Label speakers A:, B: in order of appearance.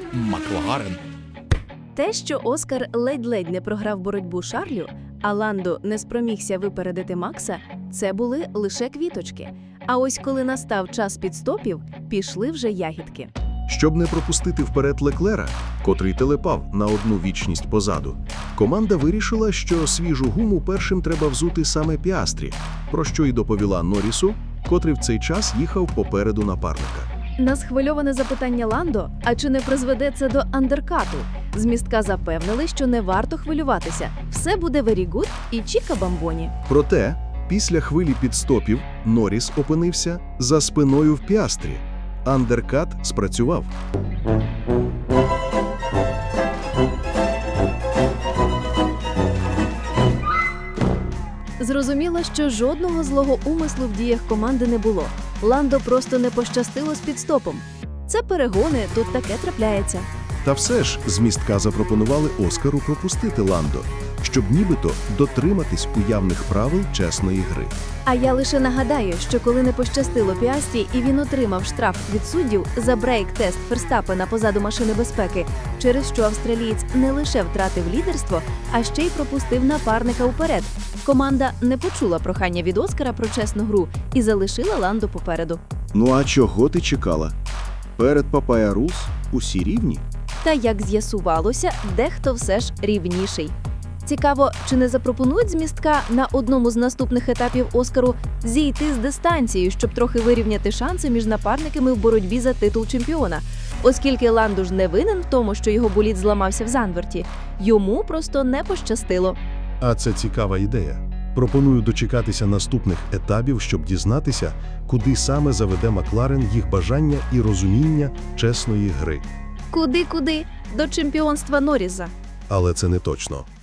A: Макларен.
B: Те, що Оскар ледь-ледь не програв боротьбу Шарлю, а Ландо не спромігся випередити Макса, це були лише квіточки. А ось коли настав час підстопів, пішли вже ягідки.
C: Щоб не пропустити вперед Леклера, котрий телепав на одну вічність позаду, команда вирішила, що свіжу гуму першим треба взути саме Піастрі, про що й доповіла Норрісу, котрий в цей час їхав попереду напарника.
B: На схвильоване запитання Ландо, а чи не призведе це до андеркату, з містка запевнили, що не варто хвилюватися, все буде very good і чіка-бамбоні.
C: Проте, після хвилі підстопів Норріс опинився за спиною в Піастрі. Андеркат спрацював.
B: Зрозуміло, що жодного злого умислу в діях команди не було. Ландо просто не пощастило з підстопом. Це перегони, тут таке трапляється.
C: Та все ж з містка запропонували Оскару пропустити Ландо, щоб нібито дотриматись уявних правил чесної гри.
B: А я лише нагадаю, що коли не пощастило Піастрі і він отримав штраф від суддів за брейк-тест Ферстаппена позаду машини безпеки, через що австралієць не лише втратив лідерство, а ще й пропустив напарника уперед. Команда не почула прохання від Оскара про чесну гру і залишила Ландо попереду.
C: Ну а чого ти чекала? Перед Папая Рулс усі рівні?
B: Та, як з'ясувалося, дехто все ж рівніший. Цікаво, чи не запропонують з містка на одному з наступних етапів Оскару зійти з дистанцією, щоб трохи вирівняти шанси між напарниками в боротьбі за титул чемпіона. Оскільки Ландо ж не винен в тому, що його болід зламався в Занверті, йому просто не пощастило.
D: А це цікава ідея. Пропоную дочекатися наступних етапів, щоб дізнатися, куди саме заведе Макларен їх бажання і розуміння чесної гри.
B: Куди-куди? До чемпіонства Норріса.
D: Але це не точно.